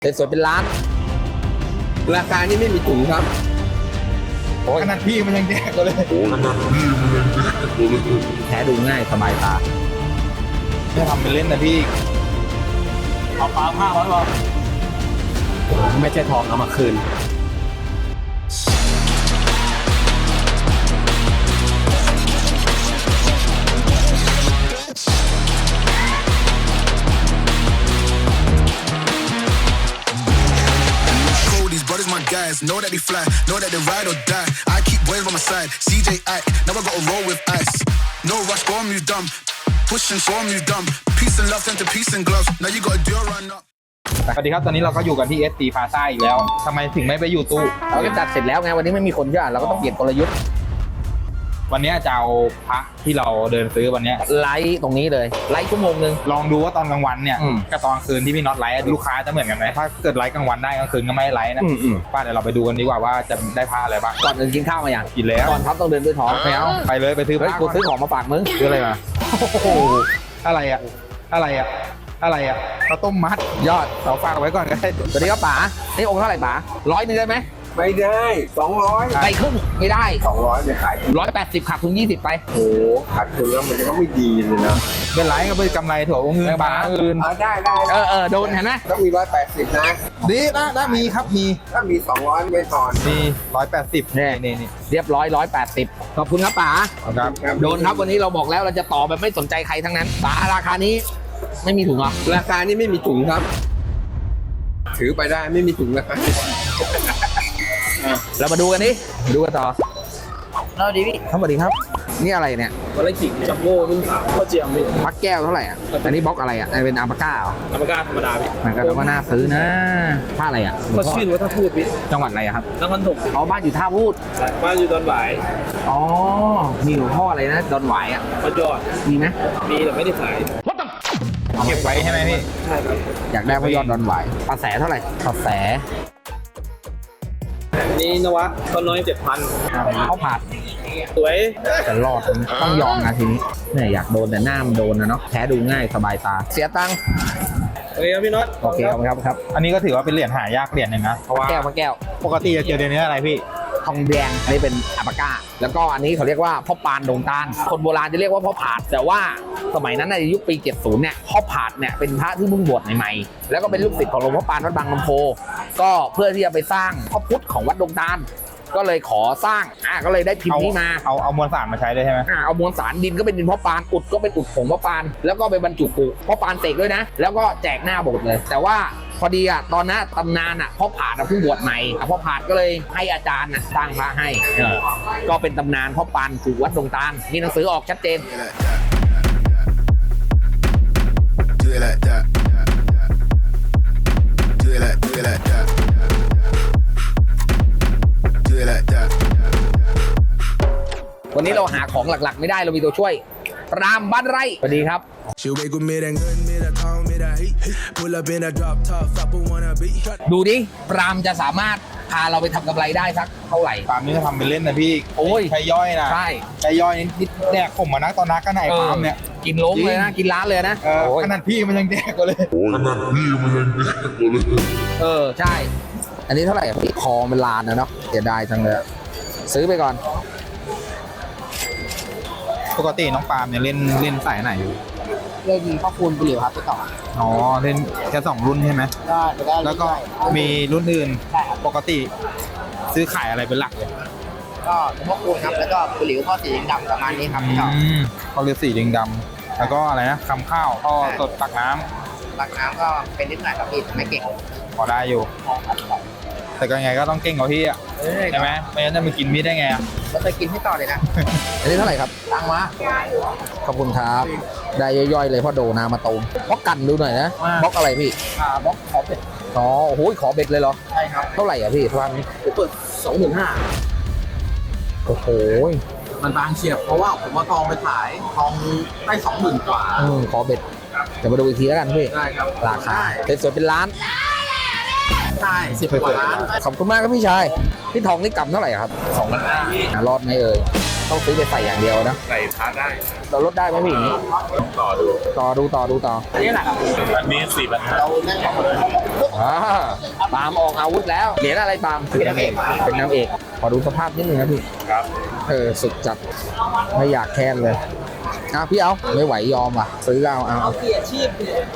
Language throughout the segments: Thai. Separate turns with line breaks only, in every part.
สวยเป็นล้านราคานี่ไม่มีถุงครับขนาดพี่มันยังแยกเลยแท้ดูง่ายสบายตาไม่ทำเป็นเล่นนะพี่เอาปลา500 บาทไม่ใช่ทองเอามาคืน
My guys know that they fly, know that they ride or die. I keep boys by my side. CJ Ike, now I gotta roll with ice. No rush, go on move dumb. Pushing, so on move dumb. Peace and love turn to peace and gloves. Now you gotta do a run up.
สวัสดีครับตอนนี้เราก็อยู่กันที่ SC Plaza อีกแล้วทำไมถึงไม่ไปอยู่ตู้เราก็จัดเสร็จแล้วไงวันนี้ไม่มีคนเยอะเราก็ต้องเปลี่ยนกลยุทธ์วันนี้จะเอาพระที่เราเดินซื้อวันนี้ไลฟ์ตรงนี้เลยไลฟ์ชั่วโมงนึงลองดูว่าตอนกลางวันเนี่ยกับตอนกลางคืนที่พี่น็อตไลฟ์ลูกค้าจะเหมือนกันไหมถ้าเกิดไลฟ์กลางวันได้กลางคืนก็ไม่ไลฟ์นะป้าเดี๋ยวเราไปดูกันดีกว่าว่าจะได้พระอะไรบ้างก่อนอื่นกินข้าวมาอย่างกินแล้วก่อนครับต้องเดินด้วยท้องไม่เอาไปเลยไปซื้อพระกูซื้อของมาฝากมึงซื้ออะไรมาโอ้โหอะไรอะข้าวต้มมัดยอดเราฝากไว้ก่อนก็ได้สวัสดีครับป๋านี่องค์เท่าไหร่ป๋า100นึงได้ไหม
ไม่ได้200
ไปครึ่งไม่ได้
200ไม่ขาย
180ขาดทุน20ไป
โอ้ขาดทุนแล้วมันก็ไม่ดีเลยนะ
เป็นไรก็เป็นกำไรถั่วเงินบาทอื่น
ได้
โดนเห็นไหม
ต้องมี180นะ
ดีนะมีครับมี
ถ้ามี200ไม่ถอน
มี180นี่เรียบร้อย180ขอบคุณครับป๋า
ครับ
โดนครับวันนี้เราบอกแล้วเราจะต่อแบบไม่สนใจใครทั้งนั้นป๋าราคานี้ไม่มีถุงเหรอ
ราคานี้ไม่มีถุงครับถือไปได้ไม่มีถุงนะครับ
เรามาดูกันดิดูกันต่อ
เราดีพี่
สวัสดีครับนี่อะไรเนี่ย
วันละขิงจัมโบ้รุ่นขาวข้าวเจียมพี่
พักแก้วเท่าไหร่อ่ะอันนี้บล็อกอะไรอ่ะเป็นอัลปาก้าเหรอ
อัลปาก้าธรรมดาพี่
มันก็ต้องน่าซื้อนะท่าอะไรอ่ะ
ก็ชื่อว่าท่าพูดพี่
จังหวัดอะไรครับ
นครถม
อ๋อบ้านอยู่ท่าพูด
บ้านอยู่ดอนหวาย
อ๋อมีหลวงพ่ออะไรนะดอนหวายอ่ะ
พระยอด
มีไหม
มีแต่ไม่ได้ขาย
เก็บไว้ใช่ไหมพี่
ใช่ครับ
อยากได้พระยอดดอนหวายปลาแสเท่าไหร่ปลาแส
นี่นวะก็น้อย7,000
เขาผัด
สวย
แต่รอดต้องยอมนะทีนี้เนี่ยอยากโดนแต่หน้ามันโดนนะเนาะแท้ดูง่ายสบายตาเสียตังค์
โอเคครับพี่น็อต
โอเคครับอันนี้ก็ถือว่าเป็นเหรียญหายากเหรียญหนึ่งนะเพราะว่าแก้วปกติจะเจอในนี้อะไรพี่ทองแดงนี่เป็นอัลปาก้าแล้วก็อันนี้เขาเรียกว่าพ่อปานดงตาลคนโบราณจะเรียกว่าพ่อผาดแต่ว่าสมัยนั้นในยุคปี70เนี่ยพ่อผาดเนี่ยเป็นพระที่เพิ่งบวชใหม่ๆแล้วก็เป็นลูกศิษย์ของหลวงพ่อปานวัดบางลำโพก็เพื่อที่จะไปสร้างพระพุทธของวัดดงตาลก็เลยขอสร้างก็เลยได้พิมพ์นี้มาเอามวลสารมาใช้เลยใช่ไหมเอามวลสารดินก็เป็นดินพ่อปานอุดก็เป็นอุดผงพ่อปานแล้วก็ไปบรรจุปุพ่อปานเสกด้วยนะแล้วก็แจกหน้าโบสถ์เลยแต่ว่าพอดีตอนนั้นตำนานพ่อผาดเพิ่งบวชใหม่พ่อผาดก็เลยให้อาจารย์สร้างพระให้ก็เป็นตำนานพ่อปานสู่วัดดงตาลมีหนังสือออกชัดเจนวันนี้เราหาของหลักๆไม่ได้เรามีตัวช่วยรามบ้านไร่สวัสดีครับดูดิรามจะสามารถพาเราไปทำกำไรได้สักเท่าไหร่
ปาล์มนี่ก็ทำเป็นเล่นนะพี่
โอ้ย
ใช้ย่อยนะ
ใช่
ใช้ย่อยนิดแดกผมมานักตอนนักก็ไหนปาล์มเนี่ย
กินล้มเลยนะกินร้านเลยนะ
ขนาดพี่มันยังแดกเลย
ใช่อันนี้เท่าไหร่พี่คอมันลานนะเนาะเสียดายจังเลยซื้อไปก่อน
ปกติน้องปาล์มเนี่ยเล่นสายไหนอยู่
เล่นพ่อคูณไปเหลียวครับไปต่อ
อ๋อเล่นแค่2รุ่นใช่ไหม
ได้
แล้วก็มีรุ่นอื่นปกติซื้อขายอะไรเป็นหลักเลย
ก็พ่อคูณครับแล้วก็ไปเหลียวพ่อสีดำประมาณนี้ครับ
เขาเรียกสีแดงดำแล้วก็อะไรนะคำข้าวพ่อสดตักน้ำ
ก็เป็นนิดหน่อยครับพี่ไม่เก่ง
พอได้อยู่แต่ก็ยังไงก็ต้องเก่งกว่าพี่ใช่ไหมไม่งั้นจะมากินมีดได้ไง
เราจะกินให้ต่อเลยนะ
อันนี้เท่าไหร่ครับ
ตังมา
ขอบคุณครับได้ย่อยๆเลยพ่อโดนามาตูมบล็อกกันดูหน่อยนะบล็อกอะไรพี่
บล็อกขอเบ็ด
อ๋อโอ้โหขอเบ็ดเลยเหรอ
ใช่ครับ
เท่าไหร่อ่ะพี่ทางนี้
เปิด
25,000โอ้โห
มันบางเฉียบเพราะว่าผมมาทองไปขายทองได้20,000 กว่า
ขอเบ็ดเดี๋ยวมาดูอีกทีแล้วกันพี่
ได้ครับ
ราคาสวยเป็นล้าน
ใช่10 กว่าล้าน
ขอบคุณมากครับพี่ชายพี่ทองนี่กำเท่าไหร่ครับ
2,500
รอดไหมเอ่ยต้องซื้อไปใส่อย่างเดียวนะ
ใส่พาร์ทได้
เราลดได้ไหมพี่อย่างนี้
ต่อดู
ต่ออันนี้แหละ
อันนี้4,500
ปาล์มออกอาวุธแล้วเหรียญอะไรปาล์มเป็นน้ำเอกขอดูสภาพนิดนึงนะพี่
ครับ
สุดจัดไม่อยากแค้นเลยพี่เอาไม่ไหวยอมว่ะซื้อเอาเกียรชีพ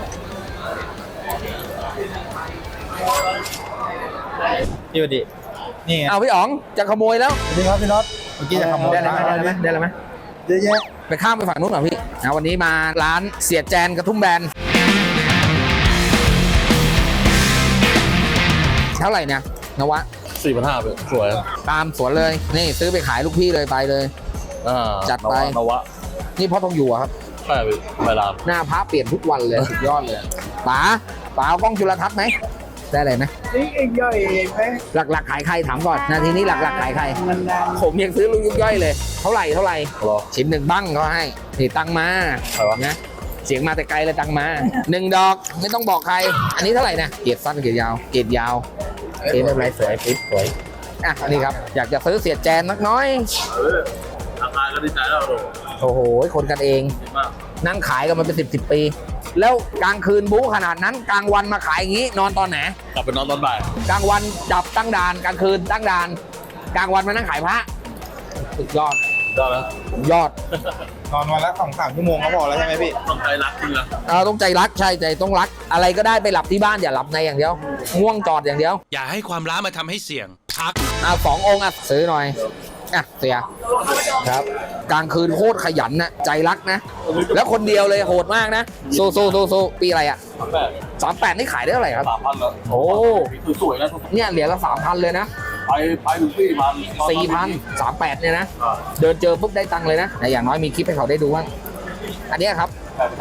พี่วดีนี่ไง
เอาพี่อ๋องจะขโมยแล้ว
สวัสดีครับพี่น็อตเมื่อกี้จะขโมย
ได้แล้วไหม
เยอะแยะ
ไปข้ามไปฝั่งนู้นหน่อยพี่วันนี้มาร้านเสียแจนกระทุ่มแบนเท่าไหร่เนี่ยนวะ
4,500เป็นสวย
ตามสวนเลยนี่ซื้อไปขายลูกพี่เลยไปเลย จัดไป
นวะ
นี่พ่อทองอยู่อะครับ
ใช่ไปราม
หน้าพระเปลี่ยนทุกวันเลยสุดยอดเลยป๋าเอากล้องจุลทรรศน์ไหมได้เลยไหม
นี่เองย่อยเองไหม
หลักๆขายใครถามก่อนนาทีนี้หลักๆขายใครผมยังซื้อลูกยุกย่อยเลยเท่าไหร่
รอ
ชิ้นหนึ่งบ้างเขาให้นี่ตังมา
ใครวะ
นะเสียงมาแต่ไกลเลยตังมา1 ดอกไม่ต้องบอกใคร อันนี้เท่าไหร่นะเกียรสั้นเกียรยาวเกียรยาวไม่เป็นไรสวยปิ๊บสวยอันนี้ครับอยากจะซื้อเสียแจนนักน้อย
ราคาก็ดีใจแล้ว
โอ้โหคนกันเอง
ดีมาก
นั่งขายกันมาเป็น10 ปี แล้วกลางคืนบู๊ขนาดนั้นกลางวันมาขายอย่างนี้นอนตอนไหน
กลับไปนอนตอนบ่าย
กลางวันจับตั้งด่านกลางคืนตั้งด่านกลางวันมานั่งขายพระสุดยอด
ได้แล้ว
ยอด
นอนวันละ2-3 ชั่วโมงก็พอแล้วใช่ไหมพี่ต้องใจรักจริงนะ
ต้องใจรักใช่ใจต้องรักอะไรก็ได้ไปหลับที่บ้านอย่าหลับในอย่างเดียวง่วงจอดอย่างเดียว
อย่าให้ความร้ามาทำให้เสี่ยง พัก
2 องค์ซื้อหน่อยเสียครับกลางคืนโคตรขยันนะใจรักนะ แล้วคนเดียวเลยโหดมากนะสู้ปีอะไรอ่ะ 38นี่ขายได้เท่าไหร่ครับ
3,000แล้ว
โอ้
คือสวยนะ
เนี่ยเหรียญละ3,000เลยนะ
ไปถึง4,000
38เนี่ยนะ เดินเจอปุ๊บได้ตังค์เลยนะแต่อย่างน้อยมีคลิปให้เขาได้ดูว่าอันเนี้ยครับ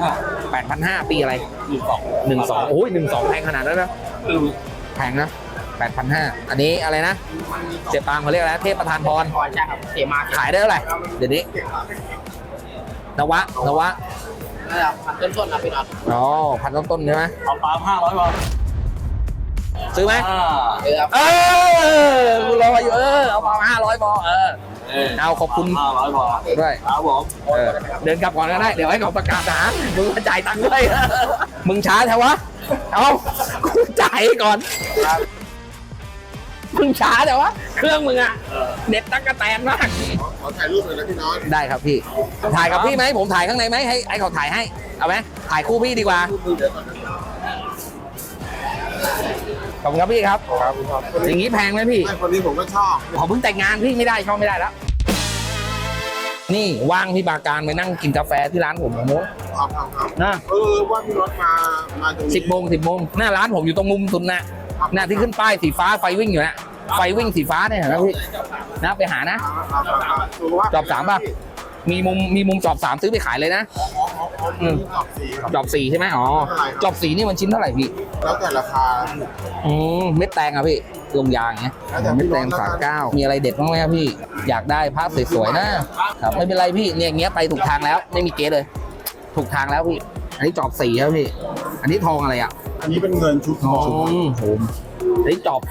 8,500 ปีอะไร 12โอ้ย12แพงขนาดนั้นนะแพงนะ 8,500 อันนี้อะไรนะเสียปางเขาเรียกอะไรเทพประธานพร
ใช่ครับเสียมา
ขายได้เท่าไหร่เดี๋ยวนี้นวะ
นั่นแหละพันต้นๆนะพี่น็อต
อ๋อพันต้นๆใช่ไหม
เอาปาล์ม500บาท
ซื้อไหม
เออครับ
กูรออยู่เอามา500พอเอาขอบคุณ
500บาท
ด้วย
ครับผม
เดินกลับก่อนก็ได้เดี๋ยวให้เขาประกาศหามึงมาจ่ายตังค์ด้วย มึงช้าแถววะเอากูจ่ายก่อนมึงช้าแต่วะเครื่องมึงอะเด็ดตั๊กแตนมาก
ขอถ่ายรูปหน่อยนะพี่น็อต
ได้ครับพี่ถ่ายกับพี่ไหมผมถ่ายข้างในไหมให้เขาถ่ายให้เอาไหมถ่ายคู่พี่ดีกว่าขอบคุณครับพี่ครับอย่างนี้แพงไหมพี่
คนนี้ผมก็ชอบ
ขอเพิ่งแต่งงานพี่ไม่ได้ชอบไม่ได้แล้วนี่ว่างพี่บาการไปนั่งกินกาแฟที่ร้านผมโม้
ครับ
นะ
ว่าพี่น็อตมาตรงนี้
10 โมงหน้าร้านผมอยู่ตรงมุมสุดนะหน้าที่ขึ้นป้ายสีฟ้าไฟวิ่งอยู่นะไฟวิ่งสีฟ้าเนี่ยนะพี่นะไปหานะจอบ3ป่ะมีมุมจอบ3ซื้อไปขายเลยนะจอบ4ใช่ไหมอ๋อจอบ4นี่มันชิ้นเท่าไหร่พี่
แล้วแต่ราคา
เม็ดแตงอ่ะพี่ลงยางเงี้ยเม็ดแตง39มีอะไรเด็ดบ้างไหมครับพี่อยากได้ภาพสวยๆนะครับไม่เป็นไรพี่เนี่ยอย่างเงี้ยไปถูกทางแล้วไม่มีเกสเลย ถูกทางแล้วพี่อันนี้จอบ4ครับพี่อันนี้ทองอะไรอ่ะ
อันนี้เป็นเงินชุดทอง
ผมอันนี้จอบ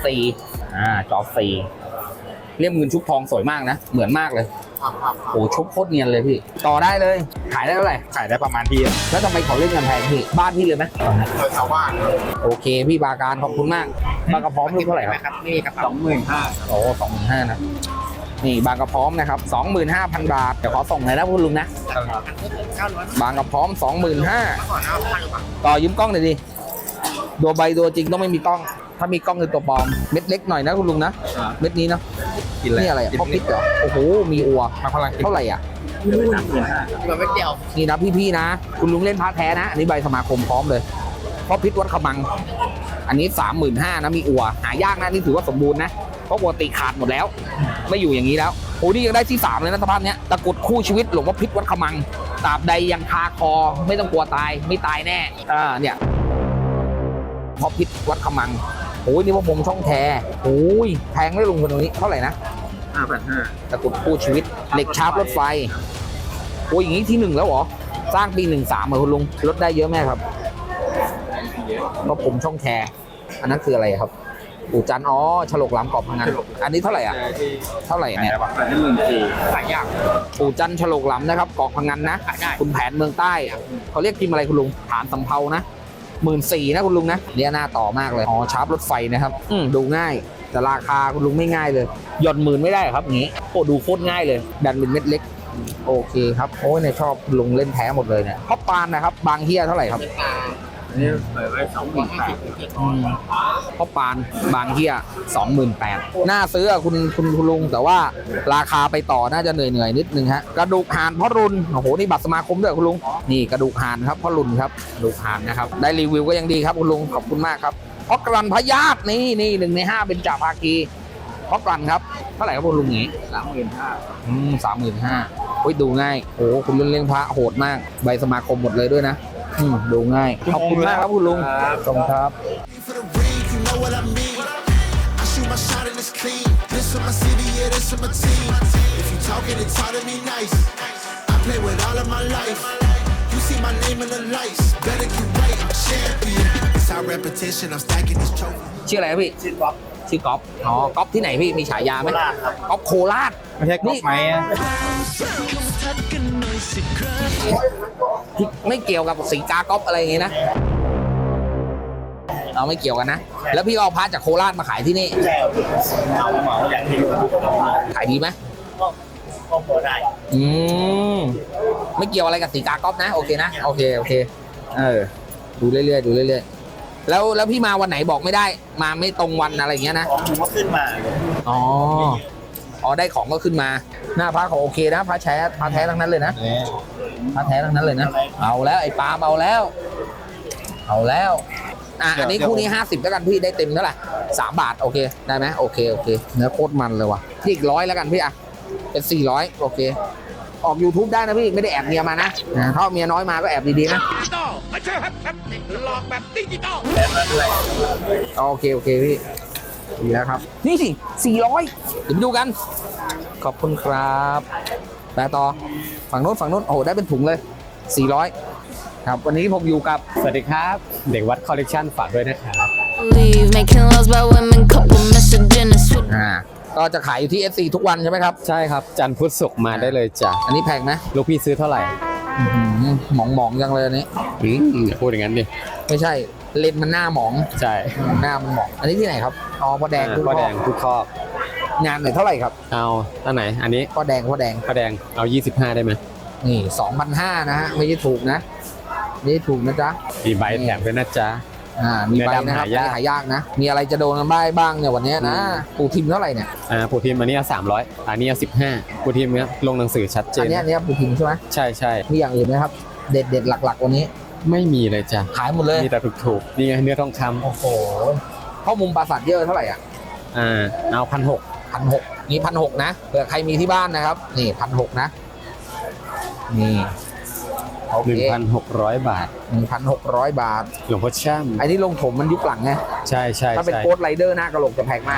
4จอบ4เลี่ยมเงินชุบทองสวยมากนะเหมือนมากเลย
ครับ
โอ้ชุบโคตรเนียนเลยพี่ต่อได้เลยขายได้เท่าไหร่
ขายได้ประมาณพี่
แล้วทำไมเขาเล่นกันแพงพี่บ้านพี่เลยไหม
เคยชาวบ้าน
โอเคพี่บาการขอบคุณมากบางกระพร้อมลูกเท่าไหร่ครับ
นี่ครับ25,000
โอ้25,000นะนี่บางกระพร้อมนะครับ 25,000 บาทเดี๋ยวขอส่งหน่อยนะคุณลุงนะบางกระพร้อม 25,000ต่อยืมกล้องหน่อยดิตัวใบตัวจริงต้องไม่มีกล้อง ถ้ามีกล้องคือตัวปลอมเม็ดเล็กหน่อยนะคุณลุงนะเม็ดนี้เนาะ
กินอะไร
นี่อะไรพ่อพริกเหรอโอ้โหมีอัว
มาพลังกิน
เท่าไหร่อ่ะ
มันไม่เกี่ยว
นี่นะพี่ๆนะ คุณลุงเล่นพาร์ทแท้นะ อันนี้ใบสมาคมพร้อมเลยเพราะพิษวัดขมัง อันนี้ 35,000นะมีอัวหายากนะนี่ถือว่าสมบูรณ์นะเพราะปกติขาดหมดแล้ว ไม่อยู่อย่างนี้แล้วโอ้นี่ยังได้ที่3เลยนะสภาพเนี้ยตะกรุดคู่ชีวิตหลวงพ่อพิษวัดขมังตราบใดยังคาคอไม่ต้องกลัวตายไม่ตายแน่เนี่ยเพราะพิษวัดขมังโอ้ยนี่ว่าผมช่องแท้โอ้ยแพงได้ลุงคนนี้เท่าไหร่นะ
5,500
ตะกรุดคู่ชีวิตเหล็กชาร์ปรถไฟโอ้ยอย่างนี้ที่ 1แล้วเหรอสร้างปี13เหรอคุณลุงลดได้เยอะไหมครับเพราะผมช่องแคร์อันนั้นคืออะไรครับปู่จันอ๋อฉลกหลำกรอบพังงานอันนี้เท่าไหร่อ่ะเท่าไหร่เนี่ย
แต่นี่14,000หลายอย่าง
ปู่จันฉลกหลำนะครับเกาะพังงานนะคุณแผนเมืองใต้อะเขาเรียกพิมพ์อะไรคุณลุงฐานสำเภานะ14,000นะคุณลุงนะเนี่ยหน้าต่อมากเลยอ๋อชาร์ปรถไฟนะครับดูง่ายแต่ราคาคุณลุงไม่ง่ายเลยหย่อนหมื่นไม่ได้ครับอย่างนี้โอ้ดูโคตรง่ายเลยดันเป็นเม็ดเล็กโอเคครับโอ้ยเนี่ยชอบลุงเล่นแท้หมดเลยเนี่ยพ่อปานนะครับบางเฮียเท่าไหร่ครับ
อันนี้เปิดไว้28,000
พ่อปานบางเฮีย28,000น่าซื้ออะคุณลุงแต่ว่าราคาไปต่อน่าจะเหนื่อยนิดนึงฮะกระดูกห่านพ่อรุนโอ้โหนี่บัตรสมาคมด้วยคุณลุงนี่กระดูกห่านครับพ่อรุนครับกระดูกห่านนะครับได้รีวิวก็ยังดีครับคุณลุงขอบคุณมากครับพ่อกรันพญาตนี่1 ใน 5เป็นจ่าภาคีพ่อกรันครับเท่าไหร่ครับคุณลุงนี้ 35,000โอ้ยดูง่ายโอ้คุณเล่นพระโหดมากใบสมาคมหมดเลยด้วยนะดูง่ายขอบคุณมากครับคุณลุงขอบคุณครับ
For the ring, you know what I mean. I shoot my shot and it's clean. This for my city, yeah, this for my team. If you talking, it's hard to be nice. I play with all of my life. You see my name in the lights. Better get right, I'm champion. It's our repetition, I'm stacking these trophies.
ชื่ออะไรครับพี่ชื่อก๊อฟชื่อก๊อฟอ๋อก๊อฟที่ไหนพี่มีฉายาไหมก๊อฟโคราช
ไม่ใช่ก๊อฟไหมอะ
ที่ไม่เกี่ยวกับสีกาก๊อฟอะไรอย่างงี้นะเราไม่เกี่ยวกันนะแล้วพี่ก็เอาพระจากโคราชมาขายที่นี่
เหมาอย่างที่
ขายดีไหม
ก็พอได้
ไม่เกี่ยวอะไรกับสีกาก๊อฟนะโอเคนะโอเคดูเรื่อยๆดูเรื่อยๆแล้วพี่มาวันไหนบอกไม่ได้มาไม่ตรงวันอะไรอย่างเงี้ยนะ
ผมก็ขึ้นมา
อ๋อได้ของก็ขึ้นมาหน้าพระของโอเคนะพระแท้ทั้งนั้นเลยนะพระแท้ทั้งนั้นเลยนะเอาแล้วไอ้ปาล์มเอาแล้วอันนี้คู่นี้50แล้วกันพี่ได้เต็มเท่าไหร่3 บาทโอเคได้ไหมโอเคเนื้อโคตรมันเลยว่ะพี่อีก100แล้วกันพี่อ่ะเป็น400โอเคออก YouTube ได้นะพี่ไม่ได้แอบเมียมานะถ้าเมียน้อยมาก็แอบดีๆนะโอเคพี่ดีแล้วครับนี่สิ400เดี๋ยวไปดูกันขอบคุณครับแปลต่อฝั่งโน้นโอ้โหได้เป็นถุงเลย400ครับวันนี้ผมอยู่กับสวัสดีครับเด็กวัดคอลเลกชันฝากด้วยนะครับ
Leave making loves by women, couple misogynist.
ก็จะขายอยู่ที่ SC ทุกวันใช่ไหมครับ
ใช่ครับ จันทร์พุธศุกร์มาได้เลยจ้ะ
อันนี้แพงไหม
ลูกพี่ซื้อเท่าไหร่
หมองจังเลยอันนี้
อย่าพูดอย่างนั้นดิ
ไม่ใช่เลนส์มันหน้าหมอง
ใช่
หน้ามันหมองอันนี้ที่ไหนครับอ๋อพ่อแดง
พ่อแดงทุกครอบ
งานไหนเท่าไหร่ครับ
เอาตั้งไหน อันนี้
พ่อแดง
พ่อแดงเอา 25 ได้ไหม
นี่ 2,500นะฮะไม่ใช่ถูกนะไม่ใช่ถูกนะจ๊ะ
มีใบแถมด้วยนะจ๊ะ
มีใบ
เนื้อดำ
นะครับ
หายาก
หายากนะมีอะไรจะโดนกันบ้างเนี่ยวันนี้นะปูทิมเท่าไหร่เนี่ย
ปูทีมอันนี้เอา300 อันนี้เอา15ปูทีมเนี้ยลงหนังสือชัดเจ
อั
น
นเนี้ยปูทิมใช่ไหม
ใช่
มีอย่างอื่นไหมครับเด็ดหลักๆวันนี้
ไม่มีเลยจ้ะ
ขายหมดเลย
มีแต่ถูกๆนี่ไงเนื้อทองค
โอ้โหข้อมุมปราสาทเยอะเท่าไหร่อ่ะ
ำเอา1,600
1,600นี่1,600นะเผื่อใครมีที่บ้านนะครับนี่1,600นะนี่โอเค
1,600 บาท
1,600 บาท
หลวงพ่อช่ำ
ไอ้นี่ลงถมมันยุคหลังไง
ใช่
ถ้าเป็นโค้ดไรเดอร์หน้ากระโหลกจะแพงมาก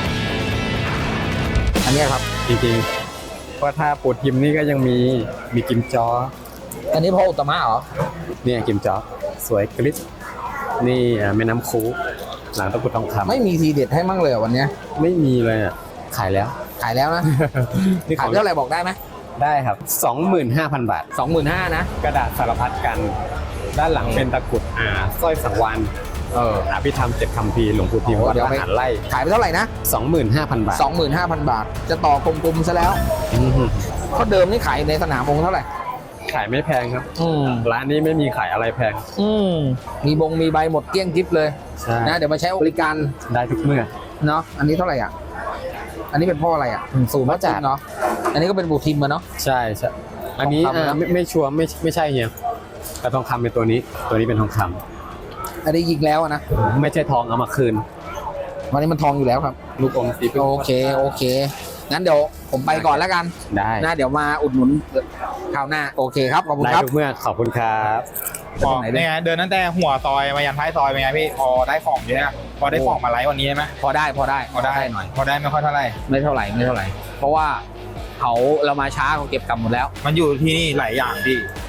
อันเนี้ยครับ
จริงๆเพราะถ้าปูทีมนี่ก็ยังมีกิมจอ
อันนี้พ่ออุตตมะเหรอ
เนี่ยกิมจ๊อกสวยกริบนี่แม่น้ำคูหลังตะกรุดทองคำ
ไม่มีทีเด็ดให้มั่งเลยเหรอวันเนี้ย
ไม่มีเลยอ่ะขายแล้ว
ขายแล้วนะ
นี่ข
ขา
อย ง
เท่าไหร่บอกได้ไหม
ได้ครับ 25,000 บาท
25,000นะ
กระดาษสารพัดกัน ด้านหลังเป็นตะกรุดสร้อยสังวานอภิธรรม7 คัมภีร์หลวงปู่ทิมวัดทหารไล่
ขายไปเท่าไหร่นะ
25,000 บาท
25,000 บาท จะต่อกลมๆซะแล้ว
อื้อหือ
เพราะเดิมนี่ขายในสนามองค์เท่าไหร่
ขายไม่แพงครับ
อืม
ร้านนี้ไม่มีขายอะไรแพง
มีใบหมดเกลี้ยงจิ๊บเลย
ใช่
นะเดี๋ยวมาใช้บริการ
ได้ทุกเมื่อ
เนาะอันนี้เท่าไหร่อ่ะอันนี้เป็นพ่ออะไรอ่ะ0พ่อจัดเนาะอันนี้ก็เป็นบูทิมมาเนาะ
ใช่อันนี้
ทองคำนะ
ไม่ชัวร์ไม่ใช่เฮียแต่ทองคำเป็นตัวนี้เป็นทองคำ
อันนี้ยิงแล้วอะนะ
ไม่ใช่ทองเอามาคืน
วันนี้มันทองอยู่แล้วครับ
ลูกอมสีพึ่ง
โอเคงั้นเดี๋ยวผมไปก่อนแล้วกัน
ได้
นะเดี๋ยวมาอุดหนุนคราวหน้าโอเคครับขอบคุณ
ได้
ครับ
ทุกเมื่อขอบคุณครับ
พอเนี่ยเดินตั้งแต่หัวซอยมายันท้ายซอยเป็นไงพี่พอได้ของเยอะพอได้ของมาไลฟ์วันนี้ไหม
พอได้
พอได้
หน่อย
พอได้ไม่ค่อยเท่าไหร่
ไม่เท่าไหร่ เพราะว่าเรามาช้าเขาเก็บกลับหมดแล้ว
มันอยู่ที่นี่หลายอย่างพี่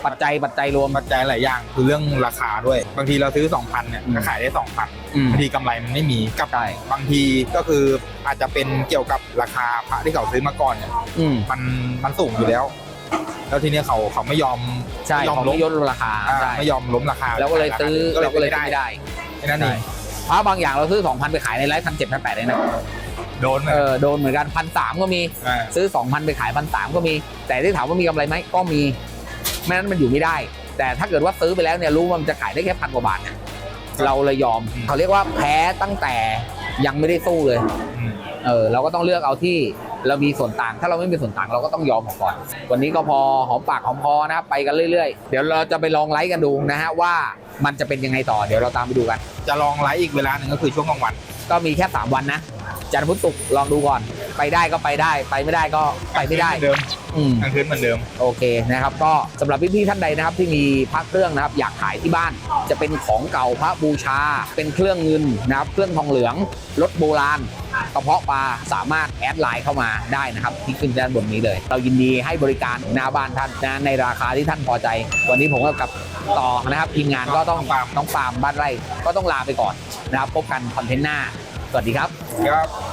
ปัจจัยรวม
ปัจจัยหลายอย่างคือเรื่องราคาด้วย บางทีเราซื้อ 2,000เนี่ยก็ขายได้ 2,000
อืม
บางทีกำไรมันไม่มีกับ
ใช่
บางทีก็คืออาจจะเป็นเกี่ยวกับราคาพระที่เขาซื้อมาก่อนเนี่ย
อืม
มันสูงอยู่แล้ว แล้วทีเนี้ยเขาไม่ยอม
ใช่
ไม่ยอม
ของ
ล้ม
ไม่ยดราคา ใช่
ไม่ยอมล้มราคา
แล้วก็เลยซื้อ
ก็
เราก็เลย
ไม่
ซื้อไม่ได้
แค่นั้นเอง
พระบางอย่างเราซื้อ 2,000 ไปขายในไลฟ์1,700 1,800เลยนะ
โดน
โดนเหมือนกัน 1,300 ก็มี ซื้อ 2,000 ไปขาย 1,300 ก็มี แต่ที่ถามว่ามีกำไรไหมก็มีไม่นั้นมันอยู่ไม่ได้ แต่ถ้าเกิดว่าซื้อไปแล้วเนี่ยรู้ว่ามันจะขายได้แค่1,000 กว่าบาทเนี่ยเราเลยยอมเขาเรียกว่าแพ้ตั้งแต่ยังไม่ได้สู้เลย เราก็ต้องเลือกเอาที่เรามีส่วนต่างถ้าเราไม่มีส่วนต่างเราก็ต้องยอมออกก่อนวันนี้ก็พอหอมปากหอมคอนะครับไปกันเรื่อยๆเดี๋ยวเราจะไปลองไลฟ์กันดูนะฮะว่ามันจะเป็นยังไงต่อเดี๋ยวเราตามไปดูกัน
จะลองไลฟ์อีกเวลาหนึ่งก็คือช่วงกลางวัน
ก็มีแค่3วันนะจันทร์พุธศุกร์ลองดูก่อนไปได้ก็ไปได้ไปไม่ได้ก็ไปไม่ได้
เดิม
อืม
กลางคืนเหมือนเดิม
โอเคนะครับก็สำหรับพี่ๆท่านใดนะครับที่มีพระเครื่องนะครับอยากขายที่บ้านจะเป็นของเก่าพระบูชาเป็นเครื่องเงินนะครับเครื่องทองเหลืองรถโบราณกระเพาะปลาสามารถแอดไลน์เข้ามาได้นะครับที่ขึ้นด้านบนนี้เลย เรายินดีให้บริการหน้าบ้านท่านนะในราคาที่ท่านพอใจ วันนี้ผมกับต่อนะครับทีมงานก็ต้องน้องปาล์มบ้านไร่ก็ต้องลาไปก่อนนะครับพบกันคอนเทนต์หน้าสวัสดีครับ
ครับ